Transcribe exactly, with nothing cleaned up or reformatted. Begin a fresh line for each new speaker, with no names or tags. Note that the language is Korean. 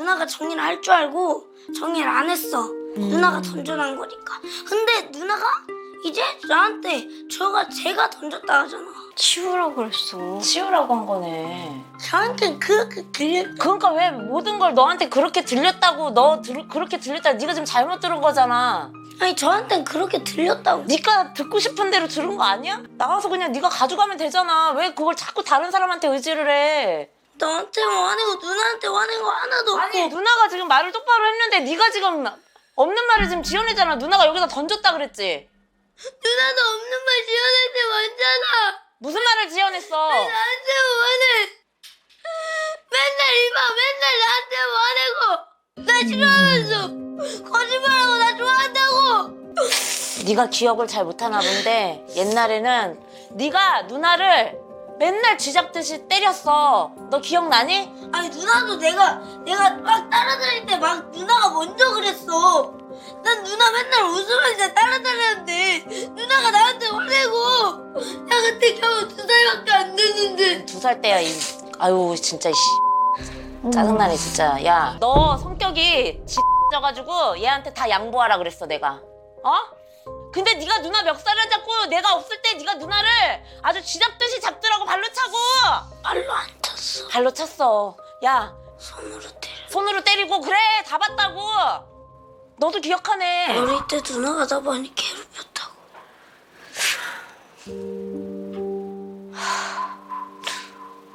누나가 정리를 할 줄 알고 정리를 안 했어.
음.
누나가 던져놓은 거니까. 근데 누나가 이제 나한테 저가 제가 던졌다 하잖아.
치우라고 그랬어.
치우라고 한 거네.
저한테 그렇게 들려.
그러니까 왜 모든 걸 너한테 그렇게 들렸다고 너 들, 그렇게 들렸다 네가 지금 잘못 들은 거잖아.
아니 저한텐 그렇게 들렸다고.
네가 듣고 싶은 대로 들은 거 아니야? 나와서 그냥 네가 가져가면 되잖아. 왜 그걸 자꾸 다른 사람한테 의지를 해?
나한테 화내고 누나한테 화낸 거 하나도 없고.
아니 누나가 지금 말을 똑바로 했는데 네가 지금 없는 말을 지금 지어내잖아. 누나가 여기다 던졌다 그랬지?
누나도 없는 말 지어낼 때 많잖아.
무슨 말을 지어냈어?
나한테 화내. 맨날 이봐 맨날 나한테 화내고 나 싫어하면서 거짓말하고 나 좋아한다고.
네가 기억을 잘 못하나 본데 옛날에는 네가 누나를 맨날 쥐잡듯이 때렸어. 너 기억나니?
아니 누나도 내가 내가 막 따라다닐 때 막 누나가 먼저 그랬어. 난 누나 맨날 웃으면서 따라다녔는데 누나가 나한테 화내고. 나 그때 겨우 두 살밖에 안 됐는데.
두 살 때야. 이... 아유 진짜 씨. 짜증나네 진짜. 야 너 성격이 쥐져가지고 얘한테 다 양보하라 그랬어 내가. 어? 근데 네가 누나 멱살을 잡고 내가 없을 때 네가 누나를 아주 쥐잡듯이 잡더라고. 발로 차고.
발로 안 찼어.
발로 찼어. 야
손으로 때려.
손으로 때리고. 그래 다 봤다고. 너도 기억하네.
어릴 때 누나가 나 많이 괴롭.